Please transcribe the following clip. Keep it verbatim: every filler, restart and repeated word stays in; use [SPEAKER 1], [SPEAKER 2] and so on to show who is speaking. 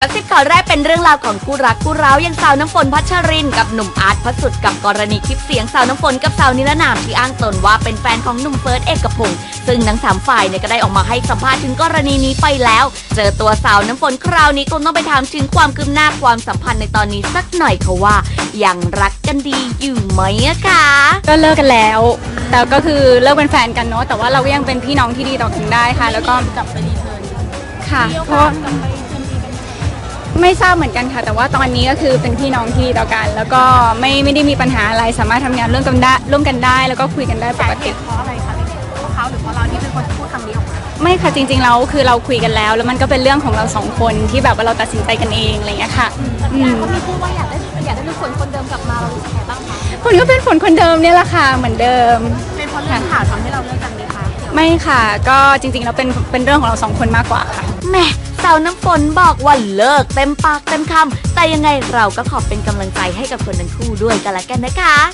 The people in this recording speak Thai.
[SPEAKER 1] กระซิบข่าวแรกเป็นเรื่องราวของคู่รักคู่ร้าวอย่างสาวน้ำฝนพัชรินกับหนุ่มอาร์ตพระสุดกับกรณีคลิปเสียงสาวน้ำฝนกับสาวนิรนามที่อ้างตนว่าเป็นแฟนของหนุ่มเฟิร์สเอกพงศ์ซึ่งทั้งสามฝ่ายเนี่ยก็ได้ออกมาให้สัมภาษณ์ถึงกรณีนี้ไปแล้วเจอตัวสาวน้ำฝนคราวนี้คงต้องไปถามถึงความคืบหน้าความสัมพันธ์ในตอนนี้สักหน่อยค่ะว่ายังรักกันดีอยู่ไหมอะคะ
[SPEAKER 2] ก็เลิกกันแล้วแต่ก็คือเลิกเป็นแฟนกันเนาะแต่ว่าเราก็ยังเป็นพี่น้องที่ดีต่อกันได้ค่ะแล้วก็
[SPEAKER 3] กลับไปรีเทิร์น
[SPEAKER 2] ค่ะเพราะไม่ทราบเหมือนกันค่ะแต่ว่าตอนนี้ก็คือเป็นพี่น้องที่ดีต่อกันแล้วก็ไม่ไม่ได้มีปัญหาอะไรสามารถทำงานร่วมกันได้ร่วมกันได้แล้วก็คุยกันได้ปกติ
[SPEAKER 3] เพราะอะไรคะเพราะเขาหรือเพราะเราที่เป็นคนพูดคำนี้ออกมา
[SPEAKER 2] ไม่ค่ะจริงๆเราคือเราคุยกันแล้วแล้วมันก็เป็นเรื่องของเราสองคนที่แบบว่าเราตัดสินใจกันเองอะไรอย่างเงี้ยค่ะ
[SPEAKER 3] อืมเขามีพูดว่าอยากได้อยากได้ลูกฝนคนเดิมกลับมาเรารู้สึกไงบ้างคะ
[SPEAKER 2] ฝนก็เป็นฝนคนเดิมเนี่ยแหละค่ะเหมือนเดิม
[SPEAKER 3] เป็นเพราะเรื่องข่าวทำให้เราเลิกกันไหมคะ
[SPEAKER 2] ไม่ค่ะก็จริงๆแล้วเป็นเป็นเรื่องของเราสองคนมากกว่าค่ะ
[SPEAKER 1] แม่สาวน้ำฝนบอกว่าเลิกเต็มปากเต็มคำแต่ยังไงเราก็ขอเป็นกำลังใจให้กับคนทั้งคู่ด้วยกันละกันนะคะ